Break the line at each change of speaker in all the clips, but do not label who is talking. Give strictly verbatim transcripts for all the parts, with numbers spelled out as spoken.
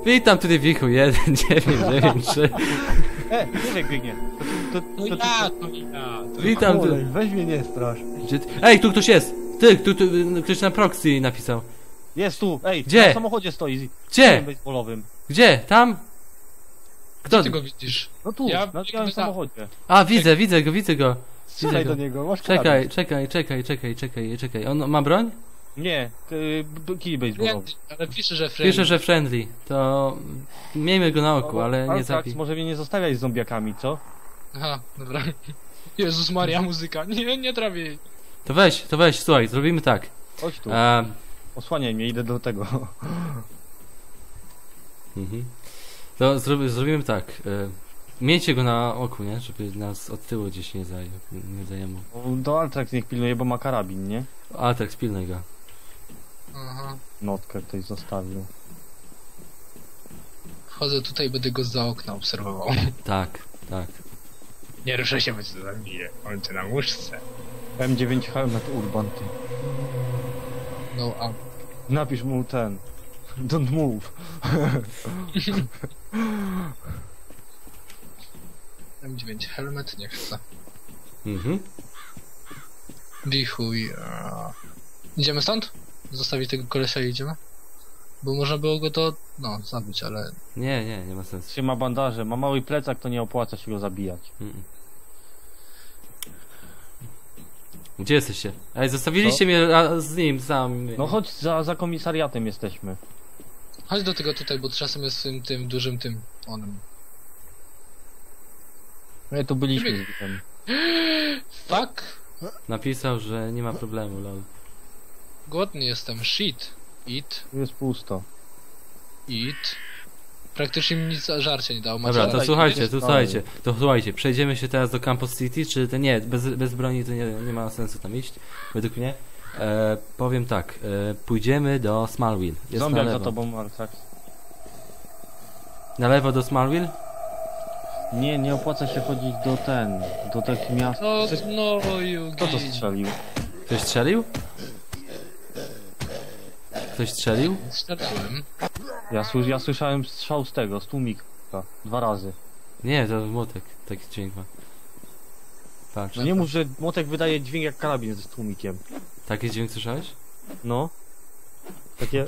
Witam tutaj Wichu, jeden, dziewięć, dziewięć, trzy.
E, nie biegnie. To, to,
No
to, to,
ja, to ja. To
Witam tu.
Olej, weź mnie nie strasz.
Gdzie ty... Ej, tu ktoś jest! Ty, tu, tu, ktoś na proxy napisał.
Jest tu, ej,
Gdzie?
na samochodzie stoi.
Gdzie?
Baseballowym.
Gdzie? Tam? Kto?
Gdzie ty go widzisz?
No tu,
Ja
na
biegnę
białym
za-
samochodzie.
A, widzę, widzę go, widzę go.
Strzelaj
go.
do niego, masz
Czekaj,
karabin.
czekaj, czekaj, czekaj, czekaj, czekaj. On ma broń?
Nie, y, b- kij baseballowy.
Nie, ale pisze, że friendly.
Pisze, że friendly. To miejmy go na oku, ale nie
Altrax,
zabij.
może mnie nie zostawiać z zombiakami, co?
Aha, dobra. Jezus Maria, muzyka. Nie, nie trawię jej.
To weź, to weź, słuchaj, zrobimy tak.
Chodź tu,
A,
osłaniaj mnie, idę do tego.
mhm. To zrobi, zrobimy tak. E, miejcie go na oku, nie? Żeby nas od tyłu gdzieś nie zajął. Nie zajęło.
Do Altrax niech pilnuje, bo ma karabin, nie?
A tak, spilnaj go.
Aha.
Notkę ktoś zostawił.
Wchodzę tutaj, będę go za okna obserwował.
Tak, tak.
Nie ruszę się, bo cię zabiję. On cię na łóżce.
M dziewięć Helmet Urban, ty.
No, a...
Napisz mu ten. Don't move.
M dziewięć helmet nie chcę.
Mhm.
Wichuj. a. Idziemy stąd? Zostawić tego kolesia i idziemy? Bo można było go to, no, zabić, ale...
Nie, nie, nie ma sensu.
Się ma bandaże, ma mały plecak, to nie opłaca się go zabijać.
Mm. Gdzie jesteście? Ej, zostawiliście mnie a, z nim sam.
No chodź, za, za komisariatem jesteśmy.
Chodź do tego tutaj, bo czasem jest tym, tym dużym tym onem.
My tu byliśmy z Wichem.
Fuck!
Napisał, że nie ma problemu, lol.
Głodny jestem. Shit. Eat.
Tu jest pusto.
Eat. Praktycznie mi nic żarcia nie dało. Macie
Dobra, to
żarcie?
słuchajcie,
jest
to
dalej.
słuchajcie, to słuchajcie, przejdziemy się teraz do Campus City, czy to nie, bez, bez broni to nie, nie ma sensu tam iść, według mnie. E, powiem tak, e, pójdziemy do Smallville. Jest na
Zombiak za
lewo.
tobą, Altrax.
Na lewo do Smallville?
Nie, nie opłaca się chodzić do ten, do takich miast.
No, no, Yugi.
Kto to strzelił?
Ktoś strzelił? Ktoś strzelił?
Strzeliłem.
Ja, sły, ja słyszałem strzał z tego, z tłumika. Dwa razy.
Nie, to młotek, taki dźwięk ma. Patrz,
No nie mów, że młotek wydaje dźwięk jak karabin z tłumikiem.
taki dźwięk słyszałeś?
No. Takie...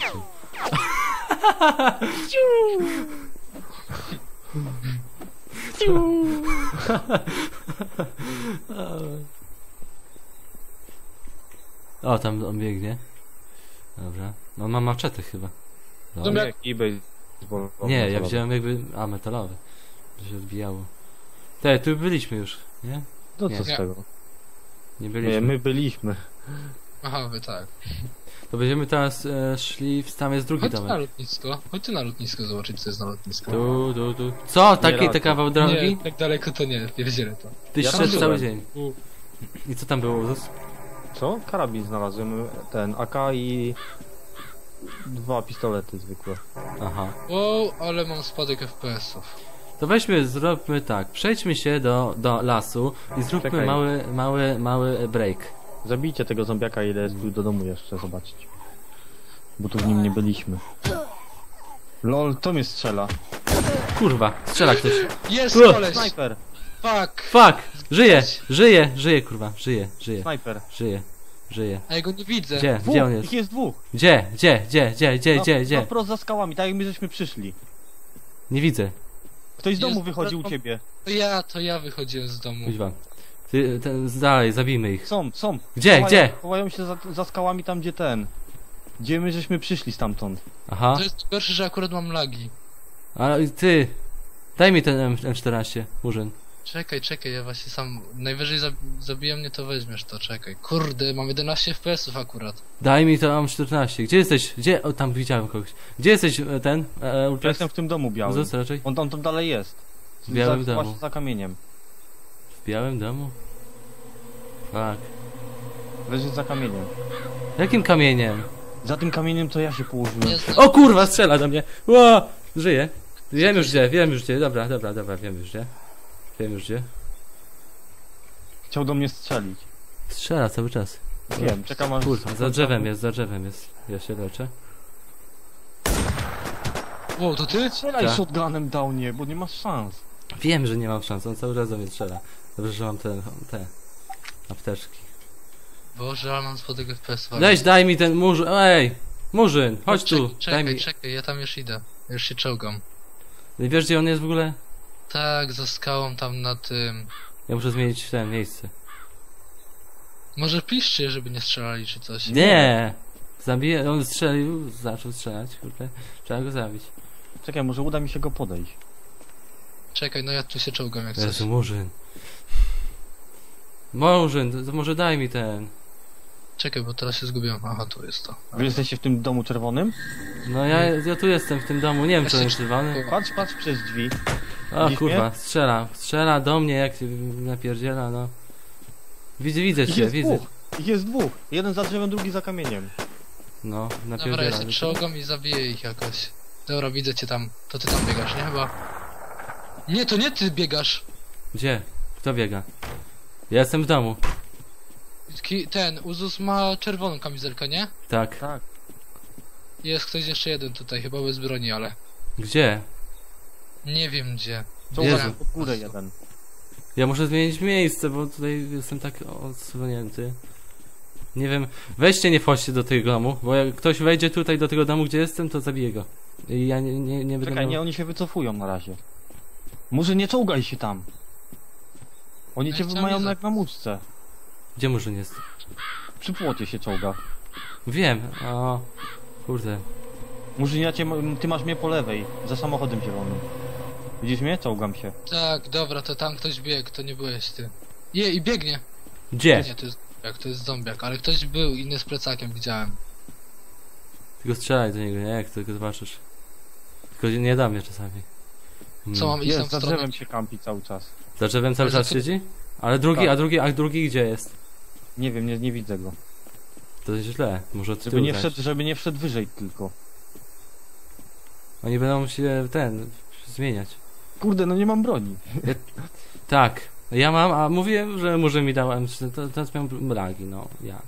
O, tam on biegnie. Dobra. No on ma maczetę chyba. Dobra.
Zombiak.
Nie, eBay.
Nie, ja wziąłem jakby... A, metalowe. To się odbijało. Te, tu byliśmy już, nie?
No
Nie.
co z
Nie.
tego?
Nie byliśmy.
Nie, my byliśmy.
Aha, wy tak.
To będziemy teraz e, szli... w- Tam jest drugi
Chodź ty na
domek.
lotnisko. Chodź ty na lotnisko zobaczyć, co jest na lotnisku.
Tu, tu, tu. Co? Taki,
raczej.
te kawał drogi?
Nie, tak daleko to nie, nie wiedzieli to.
Ty
Ja
szedł
tam
cały
byłem.
dzień.
U.
I co tam było, Uzus?
Co? Karabin znalazłem, ten A K i... Dwa pistolety zwykłe.
Aha.
Wow, ale mam spadek F P S-ów.
To weźmy, zróbmy tak. Przejdźmy się do, do lasu i zróbmy
Czekaj.
mały, mały, mały break.
Zabijcie tego zombiaka, ile jest tu do domu jeszcze, zobaczyć. Bo tu w nim nie byliśmy. Lol, to mnie strzela.
Kurwa, strzela ktoś.
Jest
Uch.
koleś!
Snajper!
Fuck!
Fuck! Żyje! Żyje! Żyje, kurwa. Żyje, żyje,
Snajper!
żyje, żyje.
A ja go nie widzę.
Gdzie?
Dwóch!
Gdzie on
Ich
jest?
jest dwóch!
Gdzie? Gdzie? Gdzie? Gdzie? Gdzie?
Na-
Gdzie? Gdzie?
Na wprost za skałami, tak jak my żeśmy przyszli.
Nie widzę.
Ktoś z domu
Jest-
wychodzi u ciebie.
To ja, to ja wychodziłem z domu.
Kuźwa. Ty, ten, dalej, zabijmy ich.
Są, są.
Gdzie?
Chowają,
Gdzie?
Chowają się za, za skałami tam, gdzie ten. Gdzie my żeśmy przyszli stamtąd.
Aha.
To jest gorsze, że akurat mam lagi.
A ty. Daj mi ten M czternaście, Murzyn.
Czekaj, czekaj, ja właśnie sam... Najwyżej zab zabije mnie, to weźmiesz to, czekaj. Kurde, mam jedenaście F P S-ów akurat.
Daj mi to M czternaście. Gdzie jesteś? Gdzie? O, tam widziałem kogoś. Gdzie jesteś e, ten? E,
Ja
Ultrax?
jestem w tym domu białym.
Uzus raczej?
On tam, tam dalej jest.
W białym
za,
domu.
Właśnie za kamieniem.
W białym domu? Fuck.
Leży za kamieniem.
Jakim kamieniem?
Za tym kamieniem to ja się położyłem.
Nie znam.
O kurwa, strzela do mnie. Ło! Żyje. Wiem już gdzie, wiem już gdzie. Dobra, dobra, dobra, wiem już gdzie. Wiem już gdzie.
Chciał do mnie strzelić.
Strzela cały czas.
Wiem, czekam aż...
Kurwa, za drzewem jest, za drzewem jest. Ja się leczę.
O, to ty?
Strzelaj
Tak.
shotgunem dał nie, bo nie masz szans.
Wiem, że nie mam szans, on cały czas do mnie strzela. Dobrze, że mam te, te apteczki.
Boże, ale mam spodek F P S.
Weź, daj mi ten murzyn, ej! Murzyn, chodź tu,
Czekaj,
daj mi.
czekaj, ja tam już idę. Ja już się czołgam.
Wiesz, gdzie on jest w ogóle?
Tak, za skałą tam na tym.
Ja muszę zmienić ten miejsce.
Może piszcie, żeby nie strzelali czy coś.
Nie! Zabiję, on strzelił, zaczął strzelać, kurde. Trzeba go zabić.
Czekaj, może uda mi się go podejść.
Czekaj, no ja tu się czołgam jak coś.
Jezu, murzyn. Murzyn, to, to może daj mi ten.
Czekaj, bo teraz się zgubiłem. Aha, tu jest to.
Wy jesteście w tym domu czerwonym?
No ja, ja tu jestem w tym domu, nie wiem czy on jest czerwony.
Patrz, patrz przez drzwi.
O
Widzisz
kurwa,
mnie?
strzela, strzela do mnie jak się napierdziela, no. Widzę, widzę
Ich
cię,
jest
widzę.
dwóch. Ich jest dwóch. Jeden za drzewem, drugi za kamieniem.
No,
Dobra, ja
napierdziela.
się czołgam i zabiję ich jakoś. Dobra, widzę cię tam. To ty tam biegasz, nie chyba? Nie, to nie ty biegasz.
Gdzie? Kto biega? Ja jestem w domu.
Ki- Ten, Uzus ma czerwoną kamizelkę, nie?
Tak.
Tak.
Jest ktoś jeszcze jeden tutaj, chyba bez broni, ale...
Gdzie?
Nie wiem gdzie.
Czołga
Jezu.
się pod górę jeden.
Ja muszę zmienić miejsce, bo tutaj jestem tak odsłonięty. Nie wiem, weźcie nie wchodźcie do tego domu, bo jak ktoś wejdzie tutaj do tego domu, gdzie jestem, to zabiję go. I ja nie, nie, nie będę
Czekaj,
miał...
nie, oni się wycofują na razie. Może nie czołgaj się tam. Oni
No
cię
i chciałem
mają
nie
jak na muszce.
Gdzie murzyn jest?
Przy płocie się czołga.
Wiem, o... Kurde.
Murzyn, ja cię, ma- ty masz mnie po lewej, za samochodem zielonym. Widzisz mnie? Czołgam się.
Tak, dobra, to tam ktoś biegł, to nie byłeś ty. Je, i biegnie.
Gdzie?
Nie, to jest jak to jest zombiak, ale ktoś był inny z plecakiem, widziałem.
Tylko strzelaj do niego, nie? Jak tylko zobaczysz. Tylko nie da mnie czasami. Hmm.
Co mam iść tam
Jest,
w
za
stronę?
drzewem się kampi cały czas.
Za drzewem cały
Ale
czas
to-
siedzi? Ale drugi,
Tak.
a drugi, a drugi gdzie jest?
Nie wiem, nie, nie widzę go.
To jest źle, może od
Żeby
tyłu
nie,
dać.
wszedł, żeby nie wszedł wyżej tylko.
Oni będą się ten zmieniać.
Kurde, no nie mam broni.
Tak, ja mam, a mówiłem, że może mi dał M trzy, to teraz miałem lagi, no ja.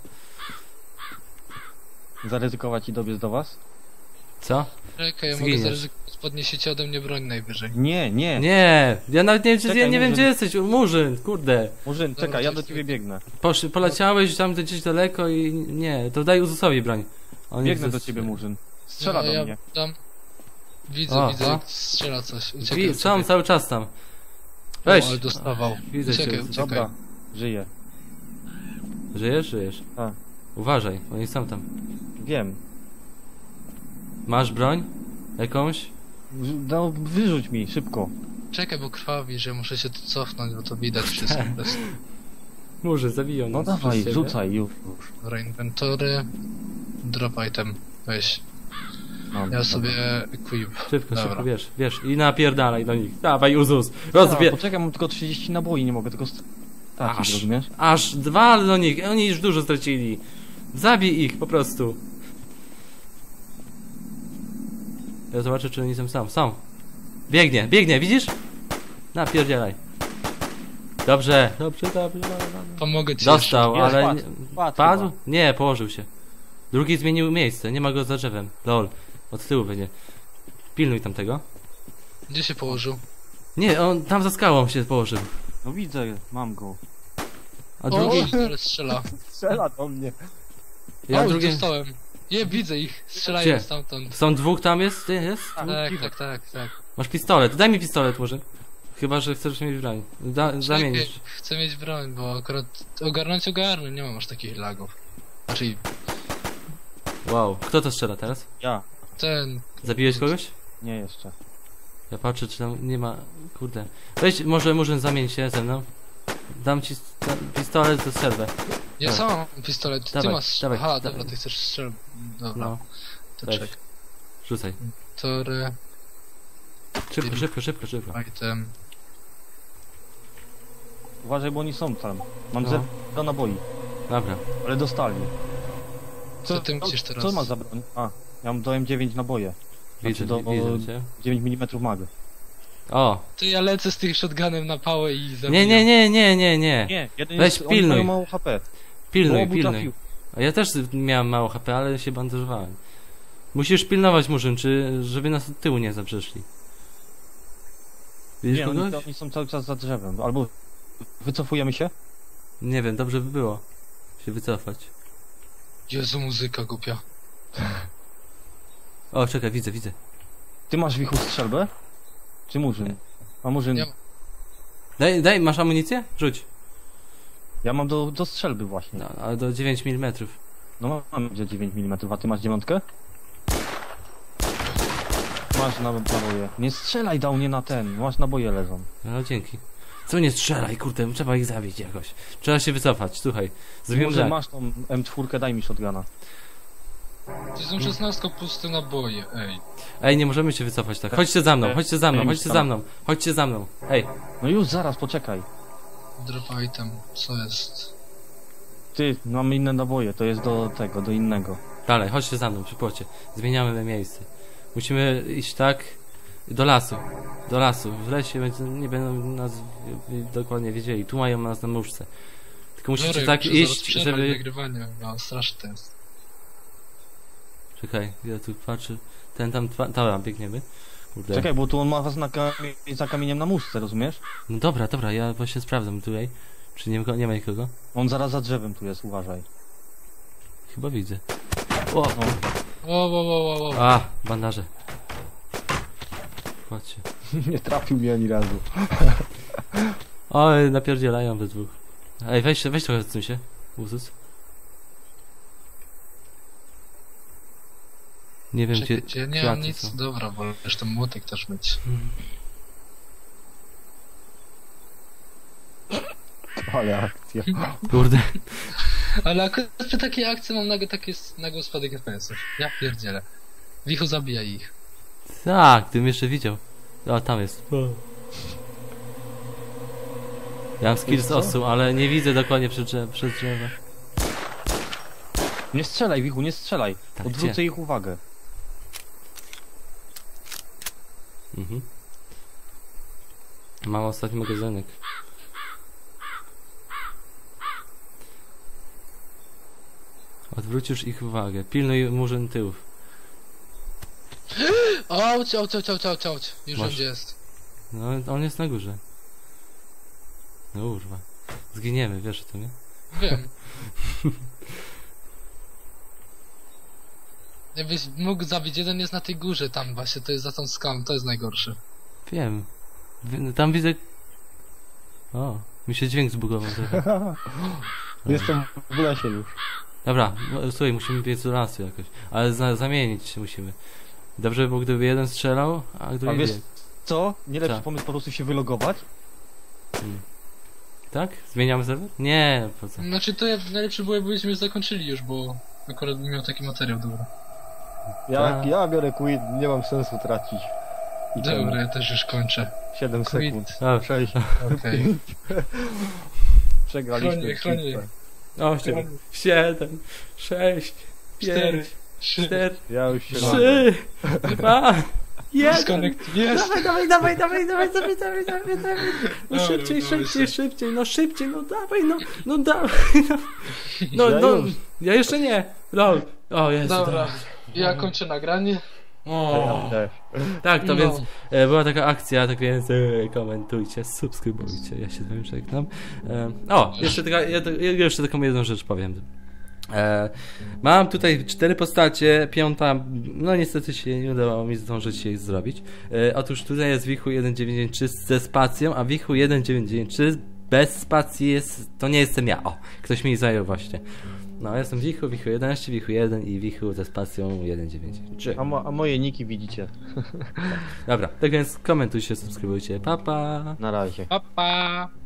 Zaryzykować i dobiec do was?
Co?
Czekaj, ja
Zginiesz.
mogę zaryzykować, podniesiecie ode mnie broń najwyżej.
Nie, nie.
Nie, ja nawet nie, wiem,
Czekaj,
ja nie wiem
Murzyn.
gdzie jesteś, Murzyn, kurde.
Murzyn,
Dobra,
czekaj, ja
to
do
jest-
ciebie biegnę.
Posz, poleciałeś tam gdzieś daleko i nie, to daj Uzusowi broń. On
Biegnę
nie
do
chce-
ciebie, Murzyn. Strzela
no,
do
ja
mnie.
Tam... Widzę,
O,
widzę,
o.
jak strzela coś. Uciekaj,
Wi- Są
uciekaj.
cały czas tam.
O,
Weź.
ale dostawał.
Widzę cię.
Uciekaj, uciekaj.
Dobra, żyję.
Żyjesz? Żyjesz.
Tak.
Uważaj, oni są tam.
Wiem.
Masz broń? Jakąś?
No, wyrzuć mi, szybko.
Czekaj, bo krwawi, że muszę się tu cofnąć, bo to widać wszystko. po prostu.
Murzyn, zabiją
No
nas
dawaj,
przez ciebie.
rzucaj już.
Dobra, inwentory. Drop item. Weź.
Mam,
Ja
dobra.
sobie equip.
Szybko,
Dobra.
szybko, wiesz, wiesz. I napierdalaj do nich. Dawaj, Uzus.
A,
Rozbie...
poczekaj, mam tylko trzydzieści naboi, nie mogę tylko
Aż.
stracić, rozumiesz?
Aż dwa do nich. Oni już dużo stracili. Zabij ich po prostu. Ja zobaczę, czy oni są sam. Są. Biegnie, biegnie, widzisz? Napierdzielaj. Dobrze, dobrze, dobrze. dobrze.
Pomogę ci
Dostał,
Jest,
ale...
padł.
nie-
Padł
Padł?
chyba.
Nie, położył się. Drugi zmienił miejsce, nie ma go za drzewem. Lol. Od tyłu będzie. Pilnuj tamtego.
jeszcze. Gdzie się położył?
Nie, on tam za skałą się położył.
No widzę, mam go.
A
O,
drugi...
ale strzela.
Strzela do mnie.
Ja
o,
drugi...
dostałem. Je, widzę ich. Strzelają
Gdzie?
stamtąd.
Są dwóch tam jest? Ty, jest?
Tak,
Tak,
cicho.
tak, tak, tak.
Masz pistolet, daj mi pistolet może. Chyba, że chcesz mieć broń. Da, zamienisz.
Czekaj, chcę mieć broń, bo akurat ogarnąć ogarnę, nie mam aż takich lagów. Znaczy,
Wow. Kto to strzela teraz?
Ja.
ten...
Zabiłeś kogoś?
Nie jeszcze.
Ja patrzę, czy tam nie ma... Kurde. Weź, może Murzyn zamień się ze mną. Dam ci st- pistolet za strzelbę.
Ja
Dawaj.
sam mam pistolet, ty
Dawaj,
masz...
dawaj,
Aha,
dawaj.
dobra, ty chcesz strzel... Dobra,
No,
to
weź.
czekaj.
rzucaj.
Tory,
Szybko, szybko, szybko, szybko.
item...
Uważaj, bo oni są tam. Mam
No.
zero naboi,
Dobra.
ale dostali.
Co ty musisz teraz?
Co ma za broń? A, ja mam do M dziewięć naboje.
Widzę,
do-
widzę cię.
dziewięć milimetrów mag.
O!
Ty ja lecę z tym shotgunem na pałę i zabijam.
Nie, nie, nie, nie, nie, nie.
Nie, jeden
Weź
jest,
pilnuj.
Oni mają mało H P.
Pilnuj,
Bo obu
pilnuj.
trafił.
A ja też miałem mało H P, ale się bandażowałem. Musisz pilnować murzyn, czy żeby nas od tyłu nie zaprzeszli. Widzisz
Nie, oni,
kogoś?
oni są cały czas za drzewem. Albo wycofujemy się?
Nie wiem, dobrze by było się wycofać.
Jezu, muzyka głupia.
O, czekaj, widzę, widzę.
Ty masz wichu strzelbę? Czy murzyn?
Nie.
A murzyn...
Nie.
Daj, daj, masz amunicję? Rzuć.
Ja mam do, do strzelby właśnie.
No, ale do dziewięć milimetrów.
No mam gdzie dziewięć milimetrów, a ty masz dziewiątkę? Masz na naboje. Nie strzelaj, dał nie na ten. Masz naboje leżą.
No, dzięki. Co nie strzelaj, kurde, trzeba ich zabić jakoś. Trzeba się wycofać, słuchaj. Zrobimy
Może
tak.
masz tą M cztery, daj mi shotguna.
To są szesnastka puste naboje, ej.
Ej, nie możemy się wycofać tak. Chodźcie za mną, chodźcie za mną,
Ej,
chodźcie
tam.
za mną. Chodźcie za mną. Ej,
No już, zaraz, poczekaj.
Drop item, co jest?
Ty, mamy inne naboje, to jest do tego, do innego.
dalej, chodźcie za mną, przy płocie. Zmieniamy miejsce. Musimy iść tak do lasu. Do lasu. W lesie będzie- nie będą nas wi- dokładnie wiedzieli. Tu mają nas na muszce. Tylko musicie
Dobra,
tak
muszę zaraz
iść,
przerwać
żeby...
nagrywanie, no straszne to jest.
Czekaj, ja tu patrzę. Ten tam, twa- dobra, biegniemy. Kurde.
Czekaj, bo tu on ma was na kamie- za kamieniem na muszce, rozumiesz?
No dobra, dobra, ja właśnie sprawdzam tutaj. Czy nie, nie ma nikogo?
On zaraz za drzewem tu jest, uważaj.
Chyba widzę. O!
No,
O, o, o, o, o.
A, bandaże. Chodźcie.
nie trafił mnie ani razu.
Oj, napierdzielają we dwóch. Ej, weź, weź trochę odsuń się. Uzus. Nie wiem,
Czekaj,
gdzie
gdzie nie mam
kwiaty
nic,
są.
dobra, bo zresztą młotek też mieć.
Ale akcja.
Kurde.
Ale akurat przy takiej akcji mam nagle taki nagły spadek F P S-ów. Ja pierdzielę. Wichu zabija ich.
Tak, gdybym jeszcze widział. O, tam jest. Ja mam skills
co?
osu, ale nie widzę dokładnie przed drzew, przed drzewem.
Nie strzelaj, Wichu, nie strzelaj.
Tak,
Odwrócę
gdzie?
ich uwagę.
Mhm. Mam ostatni magazynek. Odwrócisz ich uwagę. Pilnuj murzyn tyłów.
Auć, auć, auć, auć, auć, auć. Już
Masz.
wiem gdzie jest.
No, on jest na górze. No urwa. Zginiemy, wiesz o tym, nie?
Wiem. Jakbyś mógł zabić, jeden jest na tej górze tam właśnie, to jest za tą skałą, to jest najgorsze.
Wiem. Wi- Tam widzę... O, mi się dźwięk zbugował trochę.
Jestem w lesie już.
Dobra, no, słuchaj, musimy biec do lasu jakoś. Ale za, zamienić się musimy. Dobrze by było, gdyby jeden strzelał, a
A
drugi
wiesz
biegł.
co? Nie lepszy
Co?
pomysł po prostu się wylogować?
Hmm. Tak? Zmieniamy serwer? Nie, po co?
Znaczy to ja, najlepsze było, jakbyśmy już zakończyli już, bo akurat bym miał taki materiał dobry.
Ja,
Tak.
ja biorę quit, nie mam sensu tracić. I ten
Dobra, ja też już kończę.
siedem
Quit.
sekund.
Dobrze.
sześć.
Okej.
Przegraliśmy.
Chronię, chronię.
bitwę.
Osiem, siedem, sześć,
Cztery,
pięć,
trzy,
cztery,
Ja już się
trzy, dwa, jeden.
disconnect, jest!
Dawaj, dawaj, dawaj, dawaj, dawaj, dawaj, dawaj, dawaj, dawaj. No
Dobra,
szybciej,
dawaj
szybciej,
się.
szybciej, no szybciej, no dawaj, no, no dawaj, no. No,
Ja
no,
już.
ja jeszcze nie. Lol. O, jest.
Dobra, ja kończę nagranie.
O,
też.
tak, to
No.
więc e, była taka akcja, tak więc e, komentujcie, subskrybujcie, ja się z wami żegnam. E, o, jeszcze, taka, ja, ja jeszcze taką jedną rzecz powiem. E, mam tutaj cztery postacie, piąta, no niestety się nie udało mi zdążyć jej zrobić. E, otóż tutaj jest Wichu jeden dziewięć dziewięć trzy ze spacją, a Wichu jeden dziewięć dziewięć trzy bez spacji jest, to nie jestem ja. O, ktoś mi zajął właśnie. No, jestem Wichu, Wichu jedenaście, Wichu jeden i Wichu ze spacją jeden dziewięć trzy.
A, mo a moje niki widzicie.
Dobra, tak więc komentujcie, subskrybujcie, pa pa!
Na razie.
Pa, pa.